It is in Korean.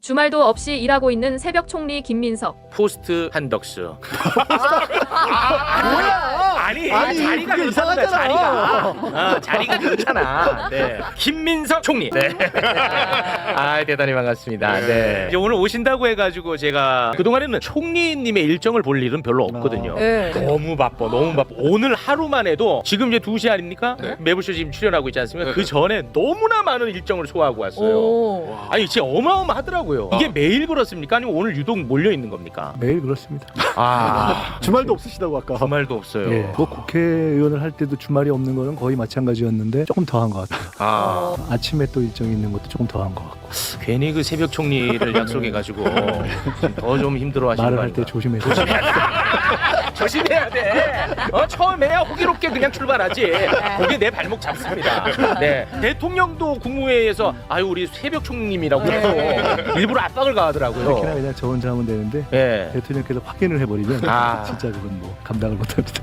주말도 없이 일하고 있는 새벽 총리 김민석. 포스트 한덕수. 아니 자리가 그게 그렇잖아. 이상하잖아. 자리가 그렇잖아. 네. 김민석 총리. 네. 아 대단히 반갑습니다. 네. 이제 오늘 오신다고 해가지고 제가 그 동안에는 총리님의 일정을 볼 일은 별로 없거든요. 네. 너무 바빠. 오늘 하루만 해도 지금 이제 2시 아닙니까? 네. 매부쇼 지금 출연하고 있지 않습니까? 네. 그 전에 너무나 많은 일정을 소화하고 왔어요. 오. 아니 진짜 어마어마하더라고요. 이게 매일 그렇습니까? 아니면 오늘 유독 몰려 있는 겁니까? 매일 그렇습니다. 아 주말도 없으시다고 아까. 주말도 없어요. 예. 뭐 국회의원을 할 때도 주말이 없는 거는 거의 마찬가지였는데 조금 더한 것 같아요. 아 아침에 또 일정이 있는 것도 조금 더한 것 같고. 괜히 그 새벽 총리를 약속해가지고 더 좀 힘들어하시는 말을 거 할 때 아닌가? 조심해서. 조심해야 돼. 처음에 호기롭게 그냥 출발하지. 거기에 내 발목 잡습니다. 네. 대통령도 국무회의에서 아유 우리 새벽 총리님이라고 또 일부러 압박을 특히나 가하더라고요. 그냥 저 혼자 하면 되는데 예. 대통령께서 확인을 해버리면 아. 진짜 그건 뭐 감당을 못합니다.